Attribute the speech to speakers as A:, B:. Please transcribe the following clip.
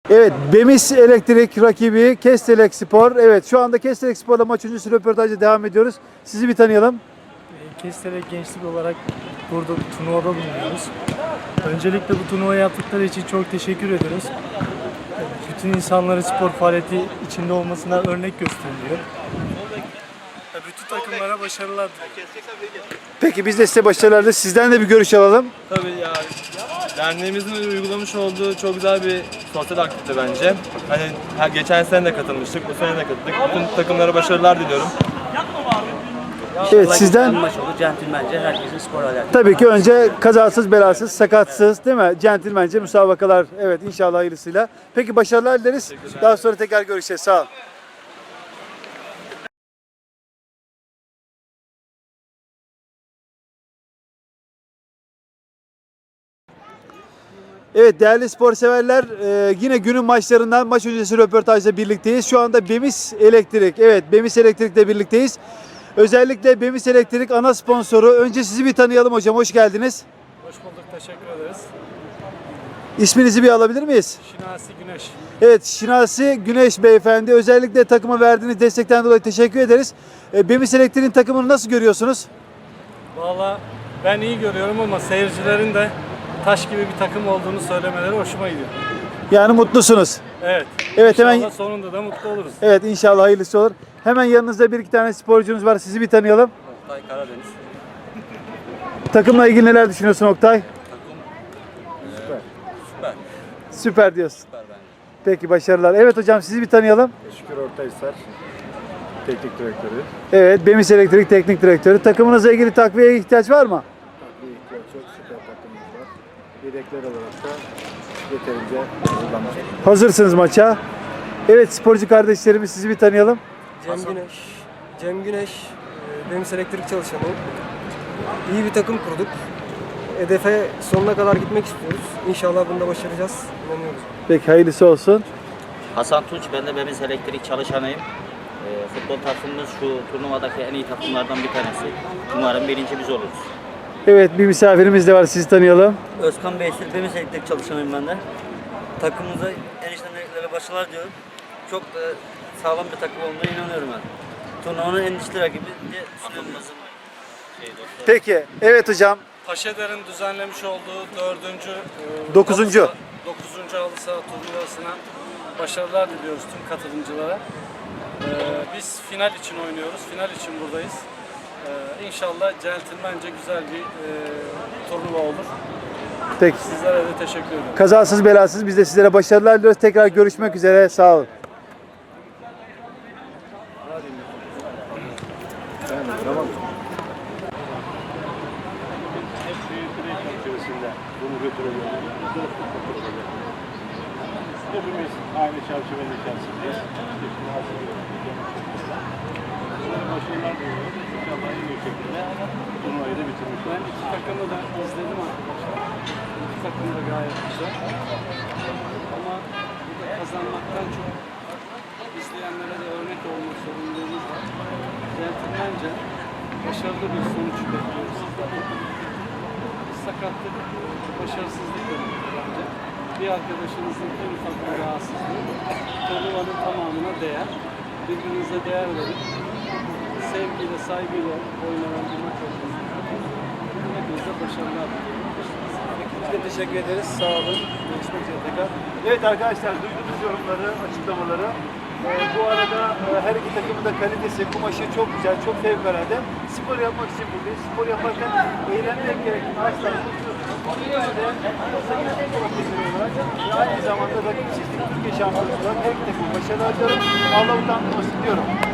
A: Evet, Bemis Elektrik rakibi Kestelek Spor. Evet, şu anda Kestelek Spor'la maç öncesi röportajla devam ediyoruz. Sizi bir tanıyalım.
B: Kestelek Gençlik olarak burada bir turnuvada bulunuyoruz. Öncelikle bu turnuvayı yaptıkları için çok teşekkür ederiz. Bütün insanların spor faaliyeti içinde olmasına örnek gösteriliyor. Bütün takımlara başarılar diliyorum.
A: Peki biz de size başarılar dileriz. Sizden de bir görüş alalım.
C: Tabii ya. Derneğimizin uygulamış olduğu çok güzel bir sosyal aktivite bence. Hani geçen sene de katılmıştık, bu sene de katıldık. Bütün takımlara başarılar diliyorum.
A: Evet, sizden
D: Maç olur, centilmence herkesin spor alakası.
A: tabii ki önce kazasız, belasız, sakatsız, değil mi? Centilmence müsabakalar. Evet, inşallah hayırlısıyla. Peki başarılar dileriz. Daha sonra tekrar görüşeceğiz. Sağ ol. Evet değerli spor severler, yine günün maçlarından maç öncesi röportajla birlikteyiz. Şu anda Bemis Elektrik, evet Bemis Elektrik'le birlikteyiz. Özellikle Bemis Elektrik ana sponsoru. Önce sizi bir tanıyalım hocam, hoş geldiniz.
B: Hoş bulduk, teşekkür ederiz.
A: İsminizi bir alabilir miyiz?
B: Şinasi Güneş.
A: Evet, Şinasi Güneş beyefendi. Özellikle takıma verdiğiniz destekten dolayı teşekkür ederiz. Bemis Elektrik'in takımını nasıl görüyorsunuz?
B: Valla ben iyi görüyorum ama seyircilerin de taş gibi bir takım olduğunu söylemeleri hoşuma gidiyor.
A: Yani mutlusunuz.
B: Evet.
A: Evet,
B: İnşallah
A: hemen
B: sonunda da mutlu oluruz.
A: evet inşallah hayırlısı olur. Hemen yanınızda bir iki tane sporcunuz var. Sizi bir tanıyalım.
C: Oktay Karadeniz.
A: Takımla ilgili neler düşünüyorsun Oktay?
C: Süper.
A: Süper diyorsun.
C: Süper bence.
A: Peki başarılar. Evet hocam sizi bir tanıyalım.
E: Şükür Ortaysar, teknik direktörü.
A: Evet, Bemis Elektrik Teknik Direktörü. Takımınızla ilgili takviyeye ihtiyaç var mı?
E: Bir ihtiyaç yok, süper takımımız var. Yedekler olarak da yeterince hazırlanmış.
A: Hazırsınız maça. Evet sporcu kardeşlerimiz sizi bir tanıyalım.
F: Cem Güneş, Bemis Elektrik çalışanıyım. İyi bir takım kurduk. Hedefe sonuna kadar gitmek istiyoruz. İnşallah bunda başaracağız. İnanıyoruz.
A: Peki hayırlısı olsun.
D: Hasan Tunç, ben de Bemis Elektrik çalışanıyım. Futbol takımımız şu turnuvadaki en iyi takımlardan bir tanesi. Umarım birinci biz oluruz.
A: Evet bir misafirimiz de var, sizi tanıyalım.
G: Özkan Beysel, Bemis Elektrik çalışanıyım ben de. Takımımıza eniştenlere başarılar diyorum. Çok da sağlam bir takım olduğuna inanıyorum ben. Turnuvanın en güçlü rakibi diye düşünüyorum.
A: Peki evet hocam.
B: Paşader'in düzenlemiş olduğu
A: 9.
B: halı saha turnuvasına başarılar diliyoruz tüm katılımcılara. Biz final için oynuyoruz, final için buradayız. İnşallah centilmence güzel bir turnuva olur.
A: Peki.
B: Sizlere de teşekkür ederim.
A: Kazasız belasız biz de sizlere başarılar diliyoruz. Tekrar görüşmek üzere. Sağ olun.
E: Hep büyük bir ekran içerisinde bunu götürebiliyoruz. Hepimiz aynı çerçevenin içerisindeyiz. Başarılar diliyorum. İnşallah en iyi şekilde turnuvayı da bitirmiş
B: Ben
E: oluruz.
B: iki takımı da izledim arkadaşlar. İki takım da gayet güzel. Ama burada kazanmaktan çok izleyenlere de örnek olma sorumluluğumuz var. Centilmence başarılı bir sonuç bekliyoruz sizlerden. Sakatlık, başarısızlık demek bence. Bir arkadaşınızın en ufak bir rahatsızlığı turnuvanın tamamına değer. Birbirinize değer verin. Sevgiyle, saygıyla oynanan bir maç olduğunu hepinize başarılar diliyorum.
A: Biz de teşekkür ederiz. Sağ olun. Görüşmek üzere tekrar. Evet arkadaşlar duydunuz yorumları, açıklamaları. Bu arada her iki takımın da kalitesi, kumaşı çok güzel, çok fevkalade. Spor yapmak için buradayız. Spor yaparken eğlenmek gerektiğini asla unutmuyorsunuz. Ve aynı zamanda rakipsizlik Türkiye şampiyonu olarak her iki takım başarılar diliyorum. Allah utandırmasın diyorum.